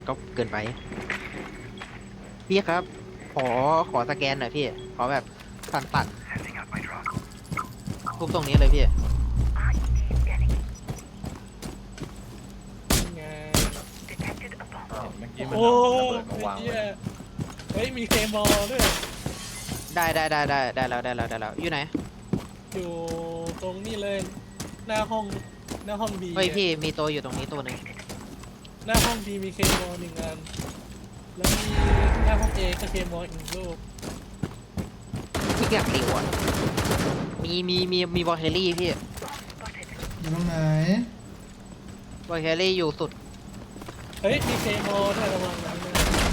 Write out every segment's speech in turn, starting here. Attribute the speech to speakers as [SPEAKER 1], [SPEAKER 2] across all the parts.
[SPEAKER 1] ก็เกินไปพี่ครับขอสแกนหน่อยพี่ขอแบบสั่นทุบตรงนี้เลยพี่
[SPEAKER 2] ไง
[SPEAKER 3] เมื่อกี้มัน
[SPEAKER 2] โอ้
[SPEAKER 3] เอาระเบิดมาวาง
[SPEAKER 2] เหี้
[SPEAKER 3] ไว้
[SPEAKER 2] ยเฮ้ยมีเคมอลด้วย
[SPEAKER 1] ได้แล้วอยู่ไหน
[SPEAKER 2] อยู่ตรงนี้เลยหน้าห้องบี
[SPEAKER 1] เฮ้ยพี่มีตัวอยู่ตรงนี้ตัวหนึ่ง
[SPEAKER 2] หน้าห้องบีมีเคมอลหนึ่งอันแล้วมีหน้าห้องเอก็เคมอลอีกลูก
[SPEAKER 1] พี่อยากติวอ่ะมีบอลเฮลี่พี่
[SPEAKER 4] อยู่ตรงไหน
[SPEAKER 1] บอลเฮลี่อยู่สุด
[SPEAKER 2] เฮ้ยมีเคมอลด้วยระวังนะ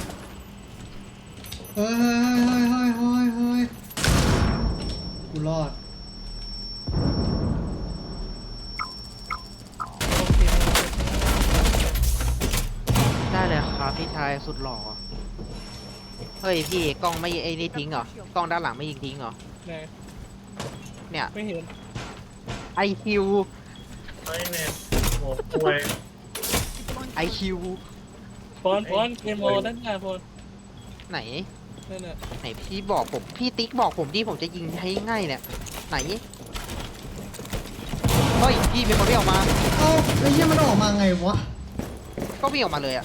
[SPEAKER 4] เฮ้ยกูรอด
[SPEAKER 2] โอเค
[SPEAKER 1] ได้เลยครับพี่ชายสุดหล่อเฮ้ยพี่กล้องไม่ไอ้นี่ทิ้งเหรอกล้องด้านหลังไม่ยิงทิ้งเหรอ
[SPEAKER 2] ไหน
[SPEAKER 1] เนี่ย
[SPEAKER 2] ไม่เห็น
[SPEAKER 1] IQ
[SPEAKER 3] ไม่เนี่ยโอ้ป่วย
[SPEAKER 1] IQ
[SPEAKER 2] ฟอนเคมอลด้านหน้าฟอน
[SPEAKER 1] ไหน
[SPEAKER 2] นั่นน่ะ
[SPEAKER 1] ไหนพี่บอกผมพี่ติ๊กบอกผมที่ผมจะยิงให้ง่ายเนี่ยไหนเฮ้ยพี่มีคนวิ่งออกมา
[SPEAKER 4] เอ้าไอ้เหี้ยมันออกมาไงวะ
[SPEAKER 1] ก็วิ่งออกมาเลยอะ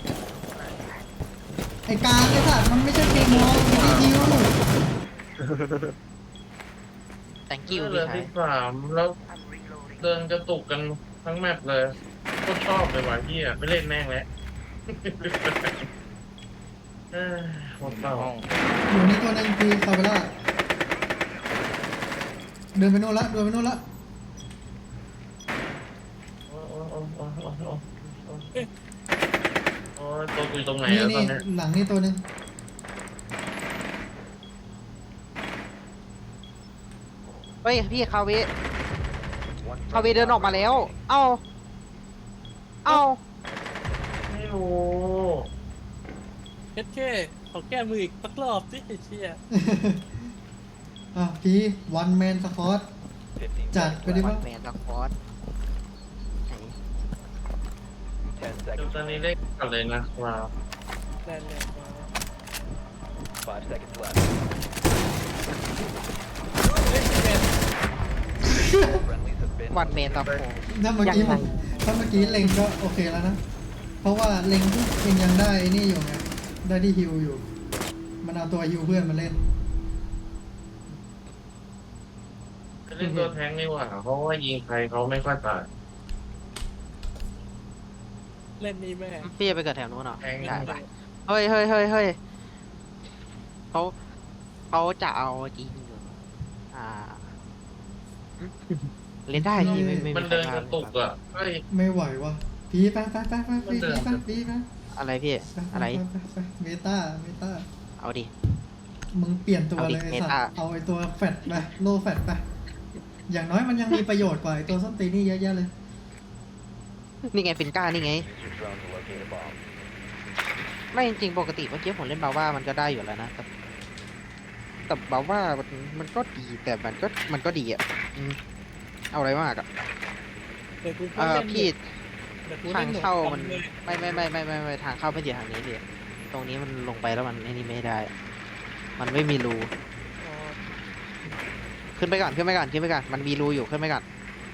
[SPEAKER 4] ไอ้กลางไอ้สัตว์มันไม่ใช่เกมมองมันไม่ยิว
[SPEAKER 1] thank you
[SPEAKER 3] เหลื
[SPEAKER 1] พี่
[SPEAKER 3] อ
[SPEAKER 1] ชาย
[SPEAKER 3] 13แล้วเดินกระตุกกันทั้งแมปเลยก็ชอบเลยว่ะพี่อ่ะไม่เล่นแม่งแล้วหมดเปล่า
[SPEAKER 4] อยู่นี่ตัวหนึงคือคาเวล่าเดินไปโน่นละ
[SPEAKER 3] โอ้ตัวกูอยู่ตรงไหน
[SPEAKER 4] นี่
[SPEAKER 3] แล้วต
[SPEAKER 4] นี่
[SPEAKER 3] อนเนี้ย
[SPEAKER 4] หลังนี่ตัวหนึง
[SPEAKER 1] เฮ้ยพี่คาเวเดินออกมาแล้ว เอ้า
[SPEAKER 3] ไม่รู้
[SPEAKER 2] เฮ็ดแค่ขอแก้มืออีกสักรอบสิไอ้เชี่ย
[SPEAKER 4] อ่ะพี่วันแมนสปอร์ตจัดไปดิ
[SPEAKER 1] วั
[SPEAKER 4] วะ
[SPEAKER 1] นแมนสควอต
[SPEAKER 3] เดี๋ยวตอนนี้เล่นกันเลยนะว้าว
[SPEAKER 2] ได้เลยมา
[SPEAKER 5] 5 seconds left.
[SPEAKER 2] เฮ้ยพี่แมน
[SPEAKER 5] Friendlies have been
[SPEAKER 1] วันแมนสควอต
[SPEAKER 4] ถ้าเมื่อกี้
[SPEAKER 1] ยังไง
[SPEAKER 4] ถ้าเมื่อกี้เล็งก็โอเคแล้วนะ เพราะว่าเล็งยังได้ไอ้นี่อยู่ไงได้ที่ฮิวอยู่ มันเอาตัวฮิวเพื่อนมาเล่น
[SPEAKER 3] จะเล่นตัวแทงดีกว่าเพราะว่ายิงใครเขาไม่ค่อยตาย
[SPEAKER 2] เล่นนี่แม่
[SPEAKER 1] พี่จะไปเกิดแถวนู้นเหรอ
[SPEAKER 3] แทง
[SPEAKER 1] ได้ปะเฮ้ยเขาจะเอาจริงอยู่อ่าเล่นได้พี่ไม่
[SPEAKER 3] มันเดินกระตุกอ่ะเฮ้ย
[SPEAKER 4] ไม่ไหววะพี่ไปพี่ไป
[SPEAKER 1] อะไรพี่อะไร
[SPEAKER 4] ไปเมตา
[SPEAKER 1] เอาดิ
[SPEAKER 4] มึงเปลี่ยนตัว
[SPEAKER 1] เอาดิ
[SPEAKER 4] เลยไอ้
[SPEAKER 1] เม
[SPEAKER 4] สัต
[SPEAKER 1] ตา
[SPEAKER 4] ว์เอาไอ้ตัวแฟตไปโลแฟตไปอย่างน้อยมันยังมีประโยชน์กว่าไอ้ตัวส้นตีนนี่เยอะแยะเลย
[SPEAKER 1] นี่ไงฟินก้านี่ไง
[SPEAKER 5] use your drone to locate a bomb.
[SPEAKER 1] ไม่จริงๆปกติเมื่อกี้ผมเล่นบาว่ามันก็ได้อยู่แล้วนะแต่บาว่ามันก็ดีแต่มันก็ดีอ่ะอืมเอาอะไรมากอ่ะ
[SPEAKER 2] เดี๋ยวกูก็เล่น
[SPEAKER 1] พี่
[SPEAKER 2] เดี๋ยวกู
[SPEAKER 1] ทา
[SPEAKER 2] เล่
[SPEAKER 1] ง
[SPEAKER 2] นหนู
[SPEAKER 1] เข้ามัน
[SPEAKER 2] ทำเลย
[SPEAKER 1] ไม่ทางเข้าไม่ใช่ทางนี้พี่ตรงนี้มันลงไปแล้วมันไอ้นี่ไม่ได้ มันไม่มีรู
[SPEAKER 2] อ๋อ
[SPEAKER 1] ขึ้นไปก่อนมันมีรูอยู่ขึ้นไปก่อน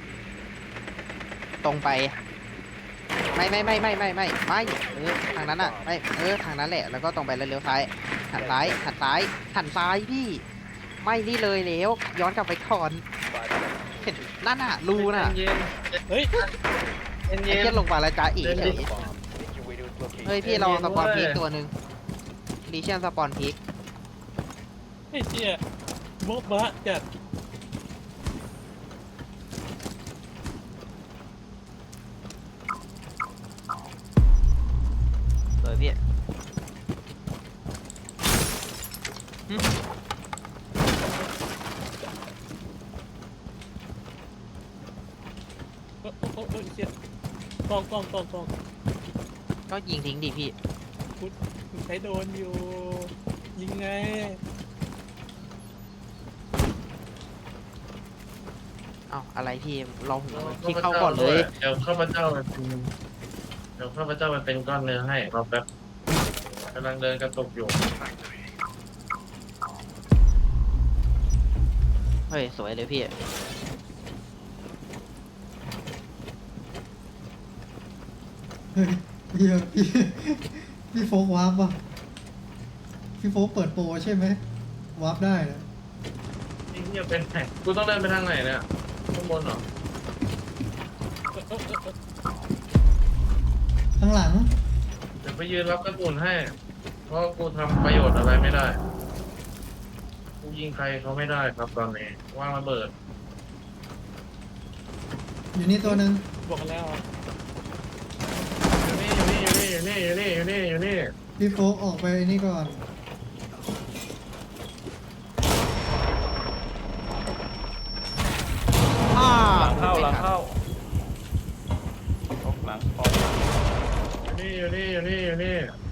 [SPEAKER 1] ตรงไปไม่ทางนั้นอ่ะไม่ทางนั้นแหละแล้วก็ตรงไปแล้วเลี้ยวซ้ายหันซ้ายพี่ไม่นี่เลยแล้วย้อนกลับไปก่อน
[SPEAKER 5] 5 seconds.
[SPEAKER 1] เห็นนั่นน่ะรูน่ะ
[SPEAKER 3] เย็น
[SPEAKER 2] เฮ้ย
[SPEAKER 3] เย็น
[SPEAKER 1] ไอ้
[SPEAKER 3] เย็น
[SPEAKER 1] เทียนลงมาแล้วจ้าอีเฉย
[SPEAKER 5] Bomb. Make your way to its location.
[SPEAKER 1] เฮ้ยพี่เราสปอนพีคตัวหนึ่งลีเชียนสปอนพีค
[SPEAKER 2] ไอ้เชี่ยโบ๊ะบะจัด
[SPEAKER 1] เลยพี่หึ
[SPEAKER 2] โอ้ไอ้เชี่ยกอง
[SPEAKER 1] ก็ยิงทิ้งดิพี่
[SPEAKER 2] กูใช้โดนอยู่ยิงไง
[SPEAKER 1] เอ้าอะไรพี่เราพี่เข้าก่อนเลย
[SPEAKER 3] เดี๋ยวข้าพเจ้าเดี๋ยวข้าพเจ้าไปเป็นก้อนเนื้อให้รอแป๊บกำลังเดินกระตุกอยู่
[SPEAKER 1] เฮ้ยสวยเลยพี่
[SPEAKER 4] เฮ้ยเฮียพี่โฟกวาร์ปป่ะพี่โฟกเปิดโปรใช่ไหมวาร์ปได้นะ
[SPEAKER 3] นี่เหี้ยเป็นไงกูต้องเดินไปทางไหนเนี่ยข้างบนเหรอ
[SPEAKER 4] ข้างหลัง
[SPEAKER 3] เดี๋ยวไปยืนรับกระสุนให้ เพราะกูทำประโยชน์อะไรไม่ได้ กูยิงใครเขาไม่ได้ครับตอนนี้ว่างระเบิด
[SPEAKER 4] อยู่นี่ตัวหนึ่ง
[SPEAKER 2] บอกกันแล้วอะ
[SPEAKER 3] อยู่นี่อยู่นี่อยู่นี่อยู่นี่อยู่นี่อยู่นี่
[SPEAKER 4] พี่โฟกออกไปนี่ก่อน
[SPEAKER 1] อ้า
[SPEAKER 6] หลังเข้าหลังเข้าออกหลังออก
[SPEAKER 3] อยู่นี่อยู่นี่อยู่นี่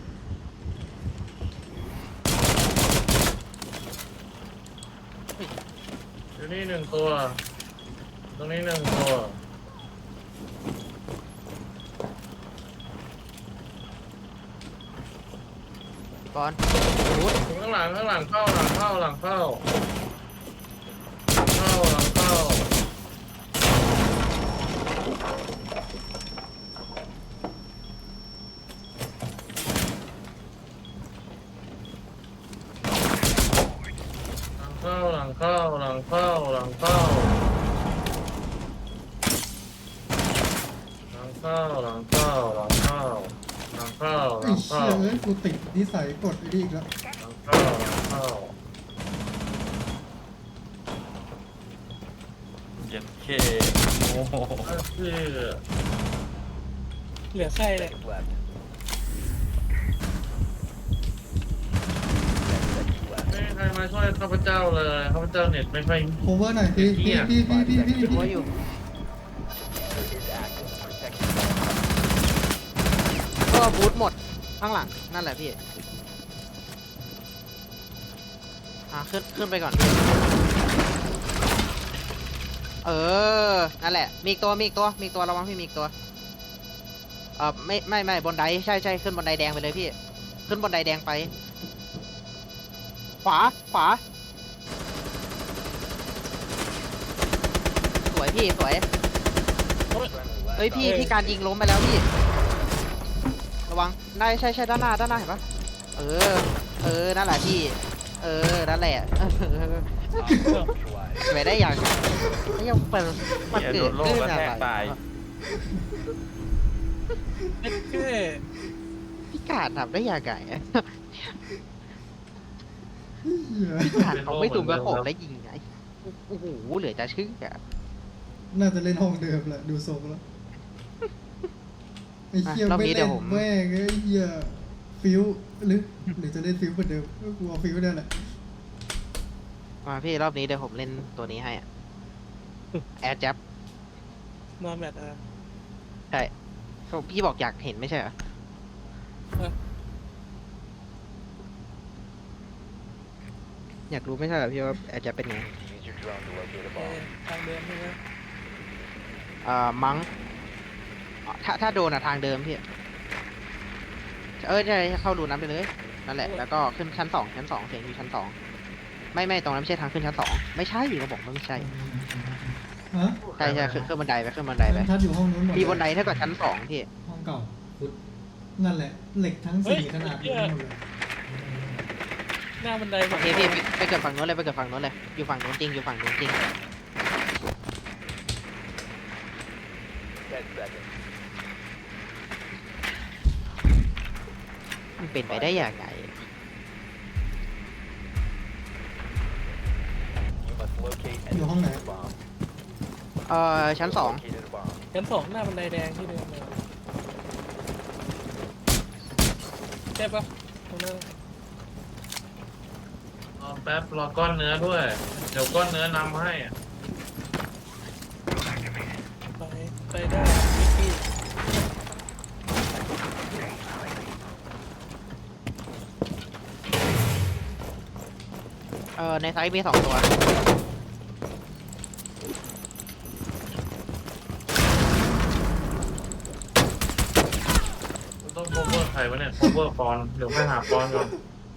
[SPEAKER 3] อยู่นี่หนึ่งตัว ตรงนี้หนึ่งตัว
[SPEAKER 1] บอลบูท
[SPEAKER 3] ข้างหลังข้างหลังเข้าหลังเข้าหลังเข้าเข้าหลังเข้าหลังเข้าหลังเข้าหลังเข้าหลังเข้าหลังเข้าหลังเข้าหลังเข้าห
[SPEAKER 4] ไอ้
[SPEAKER 3] ลัง
[SPEAKER 4] เชี่
[SPEAKER 3] เข้าย
[SPEAKER 4] เอ้ยกูติดนิสัยกดไอ้นี่อีกแล้ว
[SPEAKER 3] หลังเข้าหลังเข้า
[SPEAKER 6] เย็นเคโอ้โห
[SPEAKER 3] ก็คือ
[SPEAKER 2] เหลือใครเลย
[SPEAKER 5] Seconds left. 10 seconds left.
[SPEAKER 3] ไม่มีใครมาช่วยข้าพเจ้าเลยข้าพเจ้าเน็ตไม่ค่อย
[SPEAKER 4] โคเวอร์หน่อยพี่
[SPEAKER 3] เหี้
[SPEAKER 4] พี่
[SPEAKER 3] ย
[SPEAKER 4] พี่
[SPEAKER 1] หัวอยู่
[SPEAKER 5] Diffuser is active. Protect the
[SPEAKER 1] ก็บูทหมดข้างหลังนั่นแหละพี่ขึ้นไปก่อนพี่นั่นแหละมีอีกตัวมีอีกตัวระวังพี่มีอีกตัวไม่บนไดใช่ขึ้นบนไดแดงไปเลยพี่ขึ้นบนไดแดงไป ขวาสวยพี่สวย
[SPEAKER 5] friendly left.
[SPEAKER 1] เฮ้ยพี่การยิงล้มไปแล้วพี่ระวังได้ใช่ด้านหน้าเห็นปะนั่นแหละพี่นั่นแหละ
[SPEAKER 5] Neutralized.
[SPEAKER 1] ไม่ได้อย่างไม่ยังเปิดมัน
[SPEAKER 6] เนี่ย
[SPEAKER 1] เกิ
[SPEAKER 6] โด
[SPEAKER 1] ด
[SPEAKER 6] นโลก
[SPEAKER 1] ขึ้น
[SPEAKER 6] กระ
[SPEAKER 1] อะ
[SPEAKER 6] แท
[SPEAKER 1] ไร
[SPEAKER 6] กตาย
[SPEAKER 2] เอ็ดเก้
[SPEAKER 1] พี่กาดทำได้ยังไงอะ
[SPEAKER 4] เหี้ย
[SPEAKER 1] พี่กาดเขาไม่ตุ่มกระโขกแล้วยิงไงโอ้โหเหลือจะเชื่อ
[SPEAKER 4] น่าจะเล่นห้องเดิมแหละดูทรงแล้วไอ้เหี้ยไม่เล่นแม่งไอ้เหี้ยฟิวหรือจะเล่นฟิวเหมือนเดิมก็กลัวฟิวนั่นแหละ
[SPEAKER 1] มาพี่รอบนี้เดี๋ยวผมเล่นตัวนี้ให้อะแอร์จับ
[SPEAKER 2] นอนแมทอ่ะ
[SPEAKER 1] ใช่พี่บอกอยากเห็นไม่ใช่เหรอ
[SPEAKER 2] เออ
[SPEAKER 1] อยากรู้ไม่ใช่เหรอพี่ว่าแอร์จับเป็นไง
[SPEAKER 5] Use your drone to locate a
[SPEAKER 2] เอ
[SPEAKER 5] bomb.
[SPEAKER 2] ทางเดิมใช่ไหม
[SPEAKER 1] มั้งถ้าโดนอะทางเดิมพี่ใช่เข้ารูนั้นไปเลยนั่นแหละแล้วก็ขึ้นชั้นสองเสียงอยู่ชั้นสองไม่ตรงนั้นไม่ใช่ทางขึ้นชั้นสองไม่ใช่ก็บอกว่าไม่ใช่
[SPEAKER 4] ฮะ
[SPEAKER 1] ใช่ขึ้นบันไดไปไป
[SPEAKER 4] ทัดอยู่ห้องนู้นหมด
[SPEAKER 1] มีบันไดเท่ากับชั้นสองพี่
[SPEAKER 4] ห้องเก่านั่นแหละ เหล็กทั้งสี่ขนาดนี้หมดเลย
[SPEAKER 2] หน้าบันได
[SPEAKER 1] โอเคพี่ไปเกิดฝั่งโน้นเลยอยู่ฝั่งโน้นจริง
[SPEAKER 5] 10 seconds.
[SPEAKER 1] มันเป็นไปได้ยังไง
[SPEAKER 5] You must locate and
[SPEAKER 4] อยู่ห้องไหน
[SPEAKER 5] defuse a bomb.
[SPEAKER 1] ชั้นสอง
[SPEAKER 5] Located a bomb.
[SPEAKER 2] ชั้นสองหน้าบันไดแดงที่เดิมเลยใช่ปะตรงนั้น
[SPEAKER 3] รอแป๊บรอก้อนเนื้อด้วย เดี๋ยวก้อนเนื้อนำให้อะ
[SPEAKER 2] ไปได้มิกกี้
[SPEAKER 1] ในไซต์มี2 ตัว
[SPEAKER 3] ใครวะเนี่ย cover ปอนเดี๋ยวไปหาปอนก่อน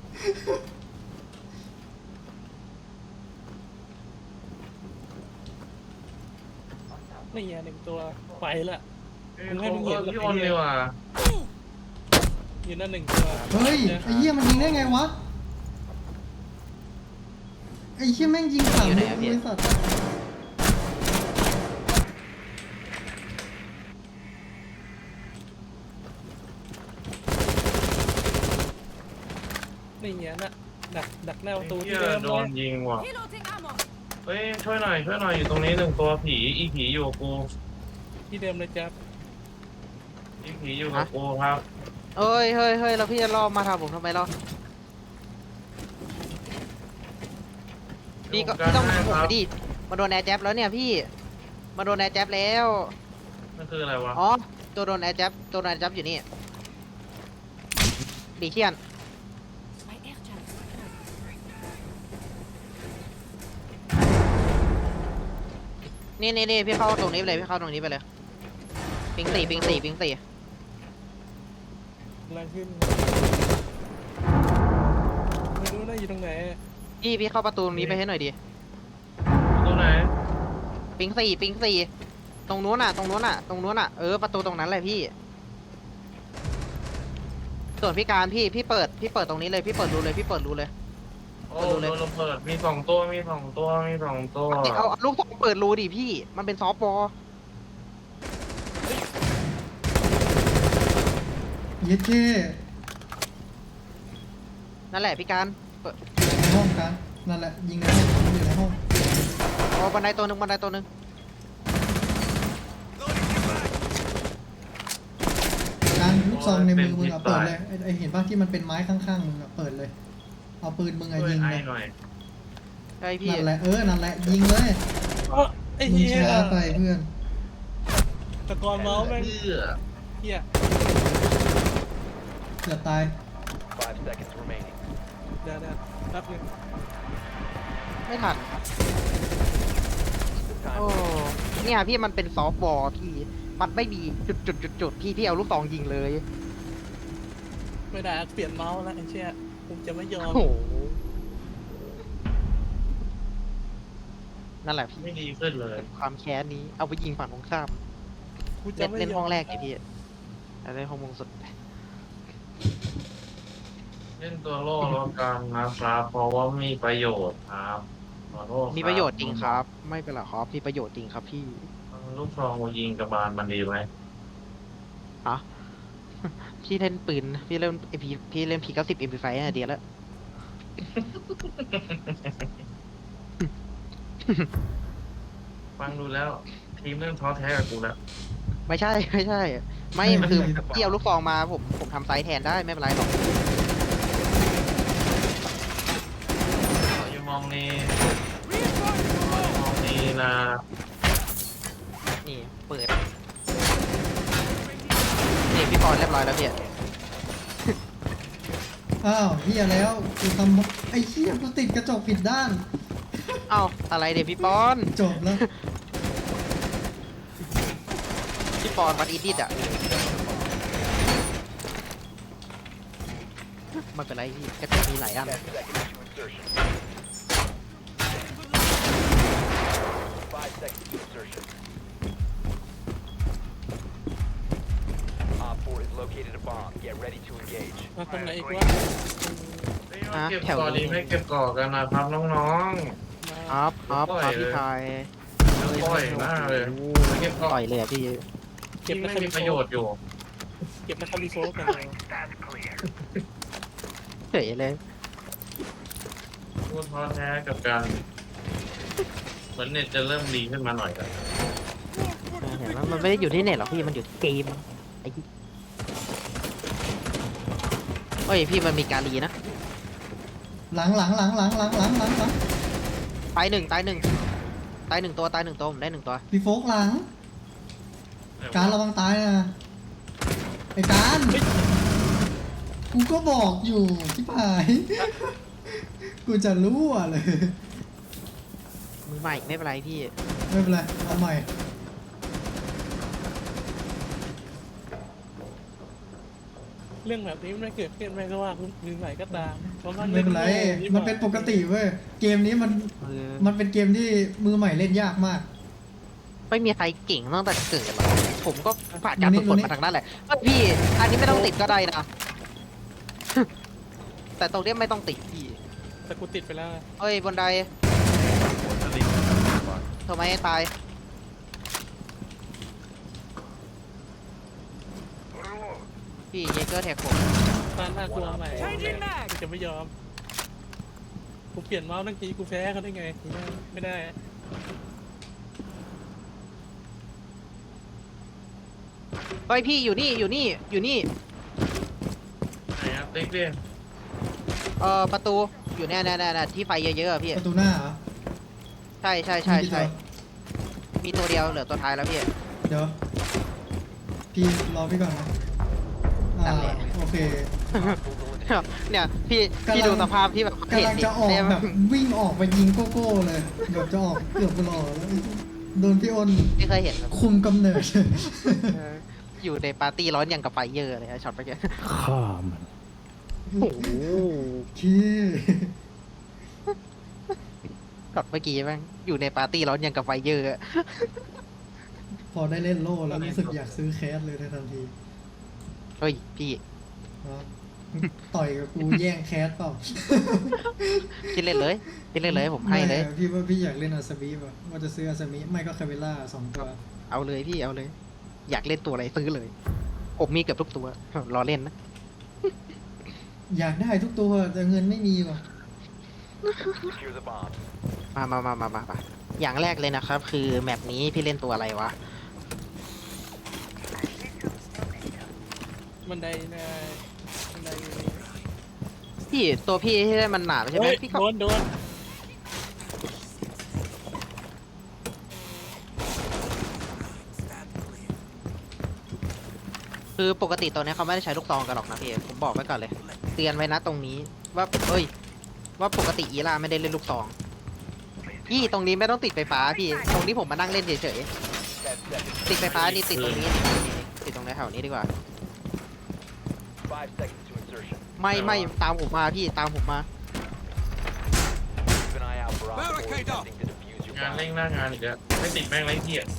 [SPEAKER 2] นี่ไงหนึ่งตัวไปละ
[SPEAKER 3] เอ้ย cover พี่อ้นดีกว่า
[SPEAKER 2] อยู่นั่นหนึ่งตัว
[SPEAKER 4] เฮ้ยไอ้เหี้ยมันยิงได้ไงวะไอ้เหี้ยแม่งยิงขำเลยไอ้สัตว์
[SPEAKER 2] นี่ไงน่ะดักหน้าประตู
[SPEAKER 3] ไอ้
[SPEAKER 2] ที่
[SPEAKER 3] เหี้ย
[SPEAKER 2] เดิม
[SPEAKER 3] โดน
[SPEAKER 2] เลย
[SPEAKER 3] ยิงว่ะ
[SPEAKER 7] Reloading ammo.
[SPEAKER 3] เฮ้ยช่วยหน่อยอยู่ตรงนี้หนึ่งตัวผีอีผีอยู่กับกู
[SPEAKER 2] ที่เดิมเลยจ้ะ
[SPEAKER 3] อีผีอยู่กับกูครับ
[SPEAKER 1] เอ้ยเฮ้ยเฮ้ยแล้วพี่จะล่อมาทำผมทำไมล่ะพี่ก็พี่ต้องมาผมไปดิมาโดนแอร์แจ็บแล้วเนี่ยพี่มาโดนแอร์แจ็บแล้ว
[SPEAKER 3] นั่นคืออะไรวะ
[SPEAKER 1] อ๋อตัวโดนแอร์แจ็บตัวโดนแอร์แจ็บอยู่นี่ดีเทียน
[SPEAKER 7] My air jams.
[SPEAKER 1] นี่พี่เข้าตรงนี้ไปเลยพี่เข้าตรงนี้ไปเลยปิงสี่
[SPEAKER 2] กำลังขึ้นไม่รู้นะอยู่ตรงไหน
[SPEAKER 1] พี่เข้าประตูตรงนี้ไปให้หน่อยดิ
[SPEAKER 3] ตัวไหน
[SPEAKER 1] ปิงสี่ตรงนู้นน่ะประตูตรงนั้นเลยพี่ส่วนพี่การพี่เปิดตรงนี้เลยพี่เปิดรูเลย
[SPEAKER 3] โอ้โดนระเบิดมีสองตัว
[SPEAKER 1] เอาลูกศรเปิดรูดิพี่มันเป็นซอฟต์บอล
[SPEAKER 4] เย็ดเจ้
[SPEAKER 1] นั่นแหละพี่การเปิด
[SPEAKER 4] ในห้องกันนั่นแหละยิงในห้องมันอยู่ในห้อง
[SPEAKER 1] เอาบันไดตัวหนึ่ง
[SPEAKER 4] การลูกซองในมือมึงอะเปิดเลยไอเห็นป่ะที่มันเป็นไม้ข้างๆมึงอะเปิดเลยเอาปืนมึงอะ
[SPEAKER 3] ช่วย
[SPEAKER 4] ยิง
[SPEAKER 3] ไอ้
[SPEAKER 4] เลย
[SPEAKER 3] หน่อย
[SPEAKER 1] ใช่พี่
[SPEAKER 4] นั่นแหละนั่นแหละยิงเลย
[SPEAKER 2] อ๋อไอ้
[SPEAKER 4] มึง
[SPEAKER 2] เหี้ย
[SPEAKER 4] ช้าไปเพื่อน
[SPEAKER 2] ตะกอนเมาส์แม่ง
[SPEAKER 3] เพื่อ
[SPEAKER 2] เหี้ย
[SPEAKER 4] เกือบตาย
[SPEAKER 5] 5 seconds remaining.
[SPEAKER 2] เดี๋ยวแป๊บนึง
[SPEAKER 1] ไม่ทัน
[SPEAKER 5] The time
[SPEAKER 1] โอ้เนี่ยพี่มันเป็นซอฟต์บอลพี่มันไม่มีจุดพี่เอาลูกซองยิงเลย
[SPEAKER 2] ไม่ได้เปลี่ยนเมาส์แล้วไอ้เชี่ยผมจะไม่ยอ
[SPEAKER 1] โอ้
[SPEAKER 2] ม
[SPEAKER 1] โหนั่นแหละพี่
[SPEAKER 3] ไม่ดีขึ้นเลย
[SPEAKER 1] ความแค้นนี้เอาไปยิงฝั่งตรงข้าม
[SPEAKER 2] กูจะไม่ยอม
[SPEAKER 1] เล่นห้องแรกไงพี่เล่นห้องมงสุด
[SPEAKER 3] เล่นตัวโล่แล้วกันนะครับเพราะว่ามีประโยชน์ครับขอโทษคบ
[SPEAKER 1] มีประโยชน์จริงครับ ไม่เป็นไรครับมีประโยชน์จริงครับพี่
[SPEAKER 3] ลูกซองยิงกระบาลมันดีไหม
[SPEAKER 1] ฮะ พี่เล่นปืนพี่เล่นพี่เล่นพี90 MP5 อ่ะเดียวแล้ว
[SPEAKER 3] ฟังดูแล้วทีมเริ่มท้อแท้กับกูแล้ว
[SPEAKER 1] ไม่ใช่ไม่คือพี่เอาลูกซองมาผมทำไซส์แทนได้ไม่เป็นไรหรอก
[SPEAKER 3] อยู่มองนี้มองนี้นะ
[SPEAKER 1] นี่เปิดนี่พี่ปอนเรียบร้อยแล้วพี่
[SPEAKER 4] อ้าวเฮียแล้วกูทำไอ้เฮียกูติดกระจกผิดด้าน
[SPEAKER 1] เอ้าอะไรเดี๋ยวพี่ปอน
[SPEAKER 4] จบแล้ว
[SPEAKER 1] พี่ปอนวัดอีดิทอ่ะไม่เป็นไรพี่กระจกมีหลายอัน
[SPEAKER 5] 10 seconds to insertion. 5 seconds to insertion. Op 4 has located a bomb. Get ready to engage.
[SPEAKER 2] มาตรงไหนอีกวะ
[SPEAKER 3] เก็บก่อดีไม่เก็บก่อกันนะครับน้อง
[SPEAKER 1] ครับพี่ชาย
[SPEAKER 3] ๆปล่อยหน้าเลยไม่เก็บก่อ
[SPEAKER 1] ปล่อยเลยอะพี่
[SPEAKER 2] เก็บ
[SPEAKER 3] ที่
[SPEAKER 2] นะ
[SPEAKER 3] ไม่
[SPEAKER 2] คา
[SPEAKER 3] มี
[SPEAKER 2] ริ
[SPEAKER 3] ป
[SPEAKER 2] โฟ
[SPEAKER 3] ระโยชน์อยู่
[SPEAKER 2] เก็บนะคาริโฟกันเลย
[SPEAKER 1] เฉยเลย
[SPEAKER 3] กูท้อแท้กับการเหมือนเน็ตจะเริ่มดีขึ้นมาหน่อยแล้ว
[SPEAKER 1] เห็นไหมมันไม่ได้อยู่ที่เน็ตหรอกพี่มันอยู่ที่เกมไอ้ที่เฮ้ยพี่มันมีการีนะ
[SPEAKER 4] หลัง
[SPEAKER 1] ตายหนึ่งตัวผมได้หนึ่งตัว
[SPEAKER 4] พี่โฟกหลัง การระวังตายนะไอ้การกูก็บอกอยู่ที่ผาย กูจะรู้อ่ะเลย
[SPEAKER 1] มือใหม่ไม่เป็นไรพี่
[SPEAKER 4] ไม่เป็นไรเอาใหม่
[SPEAKER 2] ยเรื่องแบบนี้ไม่เกิดขึ้นไม่ก็ว่าคุณมือใหม่ก็ตามเพราะมัน
[SPEAKER 4] ไม่เป็นไร มันเป็นปกติเว้ย เกมนี้มันเป็นเกมที่มือใหม่เล่นยากมาก
[SPEAKER 1] ไม่มีใครเก่งตั้งแต่เกิดหรอกผมก็ผ่านการฝึกฝนมาทางนั้นแหละเอ้ยพี่อันนี้ไม่ต้องติดก็ได้นะ แต่ตรงเนี้ยไม่ต้องติดพี่
[SPEAKER 2] แต่กูติดไปแล้ว
[SPEAKER 1] เอ้ยบนได
[SPEAKER 6] หัวสลิง
[SPEAKER 1] ทำไมให้ตายพี่เยเกอร์แท็กผม
[SPEAKER 2] ตานหน้าตัวใหม่กูจะไม่ยอมกูเปลี่ยนเมาส์ทั้งทีกูแพ้เขาได้ไงกูไม่ได้
[SPEAKER 1] เฮ้ยพี่อยู่นี่อยู่นี่อยู่นี่
[SPEAKER 3] ไหนอะติ๊กดิ
[SPEAKER 1] ประตูอยู่เนี่ยที่ไฟเยอะๆอะพี่
[SPEAKER 4] ประตูหน้าเหรอ
[SPEAKER 1] ใช่มีตัวเดียวเหลือตัวท้ายแล้วพี่
[SPEAKER 4] เดี๋ยว พี่รอพี่ก่อนนะ
[SPEAKER 1] นั่นแหละ
[SPEAKER 4] โอเค
[SPEAKER 1] เนี่ยพี่ดูสภาพที่แบบ
[SPEAKER 4] กำลังจะออก
[SPEAKER 1] เนี่ย
[SPEAKER 4] แบบวิ่งออกไปยิงโกโก้เลยแบบจะออกเกือบไปหล่อแล้วโดนพี่อ้น
[SPEAKER 1] ไม่เคยเห็นแบบ
[SPEAKER 4] คุมกำเนิด
[SPEAKER 1] อยู่ในปาร์ตี้ร้อนอย่างกับไฟเยอะเลยช็อตไปแก
[SPEAKER 2] ข้ามัน
[SPEAKER 1] โอ้โห
[SPEAKER 4] ขี้
[SPEAKER 1] ช็อตเมื่อกี้แม่งอยู่ในปาร์ตี้ร้อนอย่างกับไฟเยอะอะ
[SPEAKER 4] พอได้เล่นโล่แล้วรู้สึกอยากซื้อแคสเลยในทันที
[SPEAKER 1] เฮ้ยพี่
[SPEAKER 4] อ๋อต่อยกับกูแย่งแคสเปล่า
[SPEAKER 1] คิดเล่นเลยผมให้เลย
[SPEAKER 4] ไม่พี่ว่าพี่อยากเล่นอาซามิป่ะว่าจะซื้ออาซามิไม่ก็คาเวล่า2 ตัว
[SPEAKER 1] เอาเลยพี่เอาเลย อยากเล่นตัวอะไรซื้อเลย ผมมีเกือบทุกตัวรอเล่นนะ
[SPEAKER 4] อยากได้ทุกตัวแต่เงินไม่มีว่ะ
[SPEAKER 5] Secure the bomb.
[SPEAKER 1] มาอย่างแรกเลยนะครับ คือแมปนี้พี่เล่นตัวอะไรวะ
[SPEAKER 2] บันไดนะบันไดอยู่นี่
[SPEAKER 1] พี่ตัวพี่ที่ได้มันหนาใช่ไหม
[SPEAKER 2] เฮ้ย
[SPEAKER 1] พี่ก็
[SPEAKER 2] โดน
[SPEAKER 1] คือปกติตัวเนี้ยเขาไม่ได้ใช้ลูกซองกันหรอกนะพี่ผมบอกไว้ก่อนเลย เตือนไว้นะตรงนี้ว่าว่าปกติอีล่าไม่ได้เล่นลูกซองพี่ตรงนี้ไม่ต้องติดไฟฟ้าพี่ตรงนี้ผมมานั่งเล่นเฉย
[SPEAKER 5] 10 seconds.
[SPEAKER 1] ๆติดไฟฟ้านี่ติดตรงนี้ติดตรงแถวนี้ดีกว่า
[SPEAKER 5] 5 seconds to insertion.
[SPEAKER 1] ไม่ตามผมมาพี่ตามผมมา
[SPEAKER 5] Keep an eye out for operators attempting to defuse your
[SPEAKER 3] งาน
[SPEAKER 5] bomb.
[SPEAKER 3] เร่งหน้างานอีกแล้วไม่ติดแม่งไรเหี้ย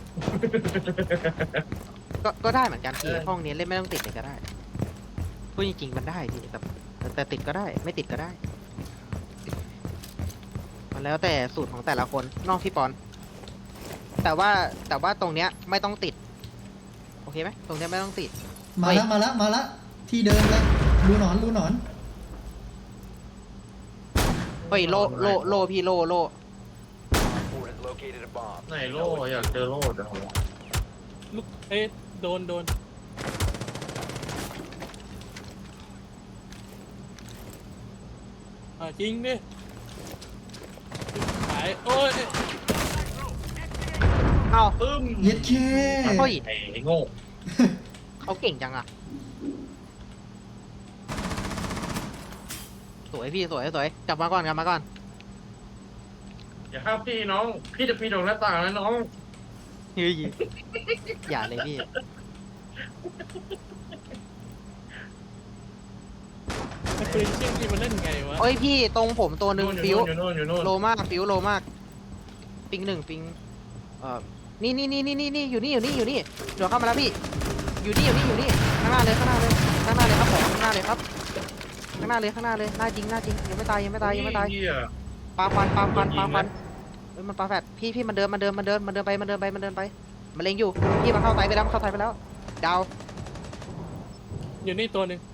[SPEAKER 1] ก็ได้เหมือนกันพี่ห้องนี้เล่นไม่ต้องติดเลยก็ได้พูดจริงๆมันได้พี่แต่ติดก็ได้ไม่ติดก็ได้มันแล้วแต่สูตรของแต่ละคนนอกพี่ปอน แต่ว่าตรงเนี้ยไม่ต้องติดโอเคไหมตรงเนี้ยไม่ต้องติด
[SPEAKER 4] มาละที่เดิมเลยรูหนอน
[SPEAKER 1] เฮ้ยโลพี่โล
[SPEAKER 5] Op 4 has located a bomb.
[SPEAKER 3] ไหนโล่อยากเจอโล่จังวะ
[SPEAKER 2] ลูกเอ้ยโดนจริงดิหายโอ้ย
[SPEAKER 1] เอ้า
[SPEAKER 3] ตึ้ม
[SPEAKER 4] เย็ดเค
[SPEAKER 1] เฮ้ย
[SPEAKER 3] ไอ้โง่
[SPEAKER 1] เขาเก่งจังอะสวยพี่สวยกลับมาก่อน
[SPEAKER 3] อย่าห้ามพี่น้อง พี่จะปีนออกหน้าต่างแล้วน้อง
[SPEAKER 1] เฮ้ยอย่าเลยพี่
[SPEAKER 2] ไอ้ปืนเชี่ยงที่มันเล่นไงวะ
[SPEAKER 1] เฮ้ยพี่ตรงผมตัวหนึ่งฟิว
[SPEAKER 3] อยู่โน่น
[SPEAKER 1] โลมากฟิวโลมากปิงหนึ่งปิงนี่อยู่นี่เดี๋ยวเข้ามาแล้วพี่อยู่นี่ข้างหน้าเลยครับผมข้างหน้าเลยครับหน้าจริงยังไม่ตาย
[SPEAKER 3] เหี้ย
[SPEAKER 1] ปาควันเฮ้ยมันปาแฟดพี่มันเดินไปมันเล็งอยู่พี่มันเข้าไตไปแล้วดาว
[SPEAKER 2] อยู่นี่ตัวหนึ่ง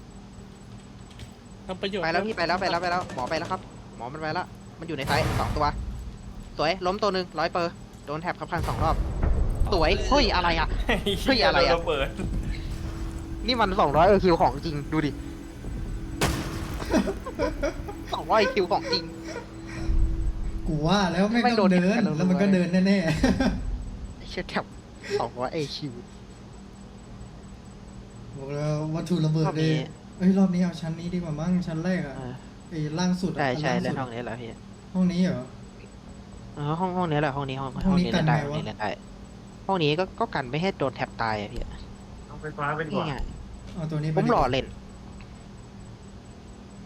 [SPEAKER 2] ทำประโยชน์
[SPEAKER 1] ไปแล้วพี่ไปแล้วหมอไปแล้วครับหมอมันไปแล้วมันอยู่ในไซต์2 ตัวสวยล้มตัวหนึ่ง100%โดนแท็บขับคัน2 รอบสวยเฮ้ยอะไรอะ เฮ้ยอะไรอะ
[SPEAKER 6] โดนเปิด
[SPEAKER 1] นี่มัน200 คิวของจริงดูดิ200 คิวของจริง
[SPEAKER 4] กูว่าแล้วไม่
[SPEAKER 1] ไม่
[SPEAKER 4] ต้องเดิน
[SPEAKER 1] โดนกัน
[SPEAKER 4] แล้วมันก็เดินแน่
[SPEAKER 1] เชี่ยแท็บ200 คิว
[SPEAKER 4] ๆบอกแล้ววัตถุระเบิด
[SPEAKER 1] รอบ
[SPEAKER 4] เล
[SPEAKER 1] นี้
[SPEAKER 4] ยเอ้ยรอบนี้เอาชั้นนี้ดีกว่ามั้งชั้นแรกอะไอ้ล่างสุดอะ
[SPEAKER 1] ใช่
[SPEAKER 4] อัน
[SPEAKER 1] เล่
[SPEAKER 4] ล่าน สุด
[SPEAKER 1] ห้องนี้แหละพี่
[SPEAKER 4] ห้องนี้เหรอ
[SPEAKER 1] ห้องนี้แหละห้องนี้
[SPEAKER 4] ห้องนี้
[SPEAKER 1] เล่นได้
[SPEAKER 4] กันไงวะ
[SPEAKER 1] ห้องนี้เล่นได้ห้องนี้ก็กันไม่ให้โดนแท็บตายอะพี่
[SPEAKER 3] เอาไฟฟ้าไปดีก
[SPEAKER 1] นี่
[SPEAKER 3] ว่า
[SPEAKER 1] ไง
[SPEAKER 4] เอาตัวนี้ไป
[SPEAKER 1] ผม
[SPEAKER 4] ดีก
[SPEAKER 1] รอ
[SPEAKER 4] ว่า
[SPEAKER 1] เล่น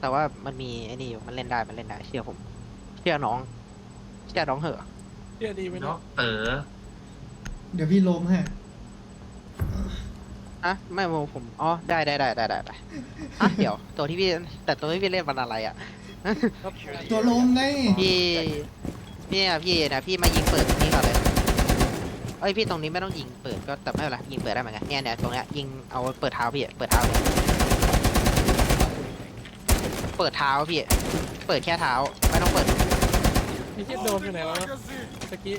[SPEAKER 1] แต่ว่ามันมีไอ้นี่อยู่มันเล่นได้เชื่อผมเชื่อน้องเหอะ
[SPEAKER 2] เชื่อดีไหม
[SPEAKER 3] เนาะ
[SPEAKER 2] เนาะ
[SPEAKER 4] เดี๋ยวพี่ล้มให้
[SPEAKER 1] อะไม่ผมอ๋อได้อ่ะเดี๋ยวตัวที่พี่เล่นมันอะไรอ่ะ
[SPEAKER 2] ครับ
[SPEAKER 4] ตัวล้มไง
[SPEAKER 1] พี่นะพี่มายิงเปิดตรงนี้ก่อนเลยเอ้ยพี่ตรงนี้ไม่ต้องยิงเปิดก็แต่ไม่เป็นไรยิงเปิดได้เหมือนกันเนี่ยตรงเนี้ยยิงเอาเปิดเท้าพี่เปิดเท้าพี่เปิดเท้าพี่เปิดแค่เท้าไม่ต้องเปิด
[SPEAKER 2] ไอ้เชี่ยโดมอยู่ไหนวะตะกี้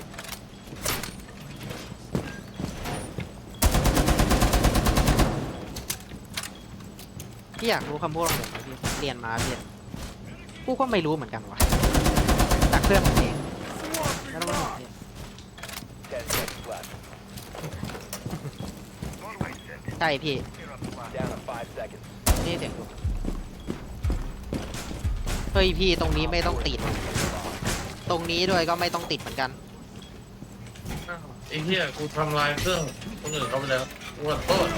[SPEAKER 1] พี่อยากรู้คำพูดของผมไหมพี่เรียนมาพี่กูก็ไม่รู้เหมือนกันวะจากเพื่อนผมเองไม่ต้องมาห่วงพี่
[SPEAKER 5] 10 seconds left.
[SPEAKER 1] ใช่พี่
[SPEAKER 5] Down to 5 seconds.
[SPEAKER 1] นี่เสียงดูเฮ้ยพี่ตรงนี้ไม่ต้องติด ตรงนี้ด้วยก็ไม่ต้องติดเหมือนกัน
[SPEAKER 3] อ้าวไอ้เหี้ยกูทำลายเครื่องคนอื่นเขาไปแล้วกูขอโทษ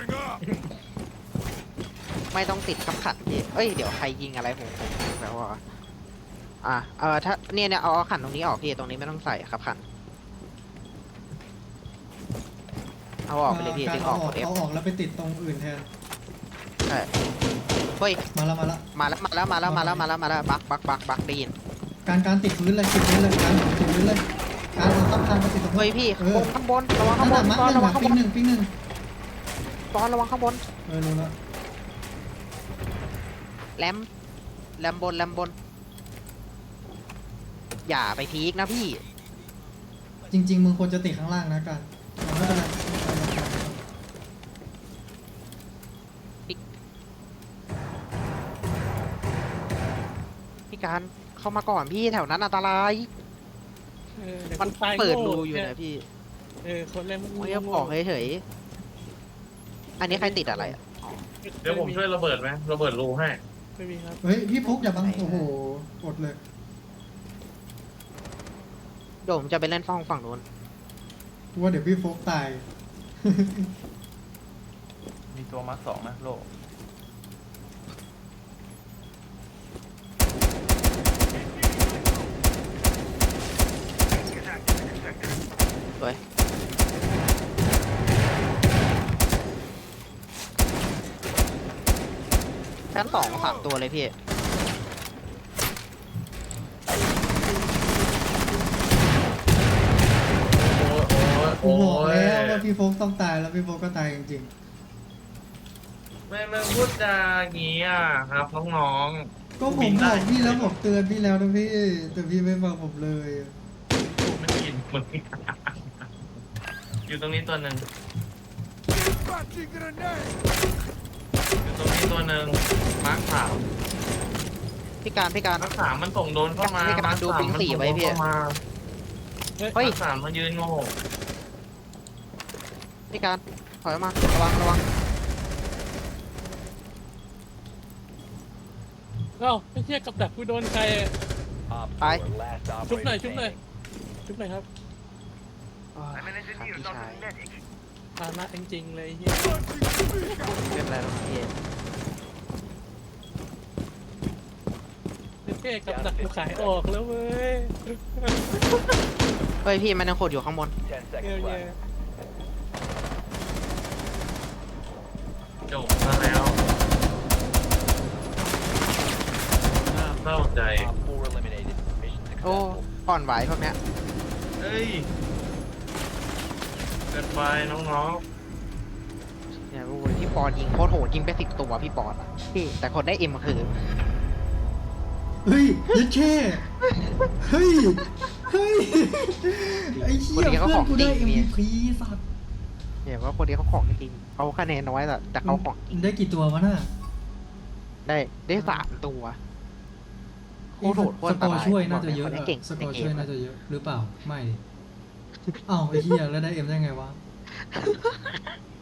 [SPEAKER 1] ไม่ต้องติดขับขันพี่เอ้ยเดี๋ยวใครยิงอะไรผมแบบว่าถ้าเนี่ยเอาขันตรงนี้ออกพี่ตรงนี้ไม่ต้องใส่ขับขันเอาออกไปเลยพี่
[SPEAKER 4] การ
[SPEAKER 1] ดึงอ
[SPEAKER 4] เอา
[SPEAKER 1] อก
[SPEAKER 4] ออก
[SPEAKER 1] กด F
[SPEAKER 4] เอาออกแล้วไปติดตรงอื่นแทน
[SPEAKER 1] ใช่เฮ้ย
[SPEAKER 4] มาแล้ว
[SPEAKER 1] มาแล้วบักได้ยิน
[SPEAKER 4] การติดพื้นเลยการติดพื้นเลยการเอาข้ามคานมาติดตรง
[SPEAKER 1] เฮ้ยพี่
[SPEAKER 4] เออ
[SPEAKER 1] ข้างบนระวังข้างบ
[SPEAKER 4] นั่
[SPEAKER 1] น
[SPEAKER 4] นน่ะ
[SPEAKER 1] ตอนระวัง
[SPEAKER 4] มั
[SPEAKER 1] ข้าง
[SPEAKER 4] ก
[SPEAKER 1] บ
[SPEAKER 4] ห
[SPEAKER 1] น
[SPEAKER 4] นึ่งปิ้งหนึ่ง
[SPEAKER 1] ตอนระวังข้างบน
[SPEAKER 4] รู้แล้ว
[SPEAKER 1] แรมบนอย่าไปพีกนะพี่
[SPEAKER 4] จริง ๆ มึงควรจะติดข้างล่างนะการไม่เป็นไร
[SPEAKER 1] พี่การเข้ามาก่อนพี่แถวนั้นอันตราย
[SPEAKER 2] ดี๋ยว
[SPEAKER 1] มัน
[SPEAKER 2] กูตาย
[SPEAKER 1] เปิด
[SPEAKER 2] โง่
[SPEAKER 1] รูอยู่นะพี่
[SPEAKER 2] คนเล่น
[SPEAKER 1] ไม่ยอมออกเฉยๆอันนี้ใครติดอะไรอ่ะ
[SPEAKER 3] เดี๋ยวผมช่วยระเบิดไหมระเบิดรูให้
[SPEAKER 2] ไม่มีครับ
[SPEAKER 4] เฮ้ยพี่ฟุกอย่าบังโอ้โหอดเลย
[SPEAKER 1] เดี๋ยวผมจะไปเล่นฝั่งนู้น
[SPEAKER 4] กูว่าเดี๋ยวพี่ฟุกตาย
[SPEAKER 6] มีตัวมาร์คสองนะโล
[SPEAKER 1] สวยชั้น2 3 ตัวเลยพี่
[SPEAKER 4] กูบอกแล้วว่าพี่ฟุกต้องตายแล้วพี่ฟุกก็ตายจริง
[SPEAKER 3] ไม่พูดจาอย่างงี้อ่ะครับน้อง
[SPEAKER 4] ๆก็ผมบอกพี่แล้วผมเตือนพี่แล้วนะพี่แต่พี่ไม่ฟังผมเลย
[SPEAKER 3] ๆกูไม่ได้ยินมึง อยู่ตรงนี้ตัวหนึ่งอยู่ตรงนี้ตัวหนึ่งมาร์คสาม
[SPEAKER 1] พี่การ
[SPEAKER 3] มาร์คสามมันส่งโดนเข้ามา
[SPEAKER 1] พี่กำลังดูปิงสี่ไว้พี่
[SPEAKER 3] มา
[SPEAKER 1] เฮ้
[SPEAKER 3] ร์
[SPEAKER 1] ย
[SPEAKER 3] คสามมายืนโง่
[SPEAKER 1] พี่การถอยมาระวัง
[SPEAKER 2] เอ้าไอ้เชี่ยกับดักกูโดนใคร
[SPEAKER 5] Op
[SPEAKER 1] ไป
[SPEAKER 5] 4, last
[SPEAKER 2] ชุบหน่อย
[SPEAKER 5] operator
[SPEAKER 2] ชุบหน่อย
[SPEAKER 5] standing.
[SPEAKER 2] ชุบหน่อยครับ
[SPEAKER 1] โอ้ยครับพี่ชาย
[SPEAKER 2] ฐานะจริงๆเลยไอ้เฮีย
[SPEAKER 1] ไม่เป็นไรหรอกพี่
[SPEAKER 2] เท่กับดักกูขายออกแล้วเว้ย
[SPEAKER 1] เฮ้ยพี่มันยังขดอยู่ข้างบน
[SPEAKER 5] 10
[SPEAKER 2] เฮีย
[SPEAKER 5] seconds
[SPEAKER 2] เฮีย
[SPEAKER 5] left.
[SPEAKER 3] จบมาแล้วน่าเศร้าใจ
[SPEAKER 5] Op 4 eliminated. Mission
[SPEAKER 1] โอ้
[SPEAKER 5] successful.
[SPEAKER 1] อ่อนไหวพวกเนี้ย
[SPEAKER 3] เฮ้ยเกินไปน้อง
[SPEAKER 1] เนี่ยโอ้ยพี่ปอนยิงโคตรโหดยิงไป10 ตัวพี่ปอนอะพี่แต่คนได้เอ็มคือ
[SPEAKER 4] เฮ้ยยัดแค่เฮ้ยไอ้เหี้ยเพื่อนกูได้ MVP สัตว์
[SPEAKER 1] เนี่ยว่าคนนี้เขาของจริงเขาคะแนนน้อยแต่เขาของจริง
[SPEAKER 4] ได้กี่ตัววะน่ะ
[SPEAKER 1] ได้3 ตัวโคตรโหดโค
[SPEAKER 4] ส
[SPEAKER 1] ตร
[SPEAKER 4] กอร์ช่วยน่าจะเยอะ
[SPEAKER 1] คนนี้เก่ง
[SPEAKER 4] สกอร์
[SPEAKER 1] ในเก
[SPEAKER 4] ช่วย
[SPEAKER 1] ม
[SPEAKER 4] น่าจะเยอะหรือเปล่าไม่ดิอ้าวไอ้เหี้ยแล้วได้เอ็มได้ไงวะ